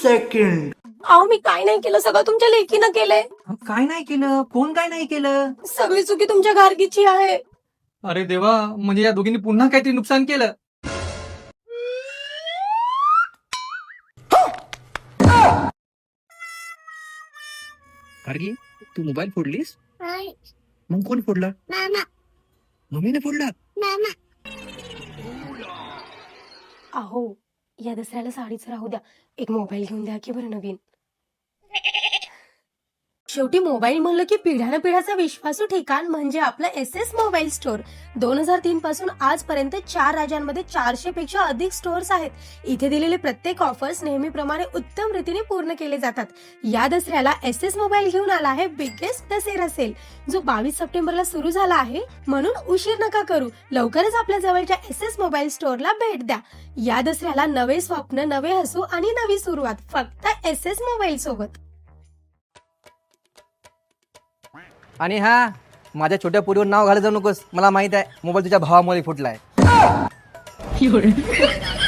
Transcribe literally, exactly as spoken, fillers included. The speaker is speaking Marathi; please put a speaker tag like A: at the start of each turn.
A: सेकंड.
B: अहो मी काय नाही केलं, सगळं तुमच्या लेकीनं केलंय.
C: काय नाही केलं? कोण काय नाही केलं?
B: सगळी चुकी तुमच्या गार्गीची आहे.
C: अरे देवा, म्हणजे या दोघींनी पुन्हा काहीतरी नुकसान केलं.
D: गार्गी, तू मोबाईल फोडलीस?
E: नाही
D: मग कोण फोडला?
E: मामा
D: मम्मीने फोडला.
E: मामा
B: अहो या दसऱ्याला साडीच राहू द्या, एक मोबाईल घेऊन द्या की बरं नवीन. शेवटी मोबाईल म्हणलं की पिढ्यानं पिढ्याचा विश्वासू ठिकाण म्हणजे आपलं एस एस मोबाईल स्टोअर. दोन हजार तीन पासून आजपर्यंत चार राज्यांमध्ये चारशे पेक्षा अधिक स्टोअर्स आहेत. इथे दिलेले प्रत्येक ऑफर्स नेहमीप्रमाणे उत्तम रीतीने पूर्ण केले जातात. या दसऱ्याला एस एस मोबाईल घेऊन आला आहे बिगेस्ट दसेरा सेल, जो बावीस सप्टेंबरला सुरू झाला आहे. म्हणून उशीर नका करू, लवकरच आपल्या जवळच्या एस एस मोबाईल स्टोअरला भेट द्या. या दसऱ्याला नवे स्वप्न, नवे हसू आणि नवी सुरुवात फक्त एस एस मोबाईल सोबत.
C: आणि हा, माझ्या छोट्या पोरीवर नाव घालत जाऊ नकोस. मला माहित आहे मोबाईल तुझ्या भावामुळे फुटलाय.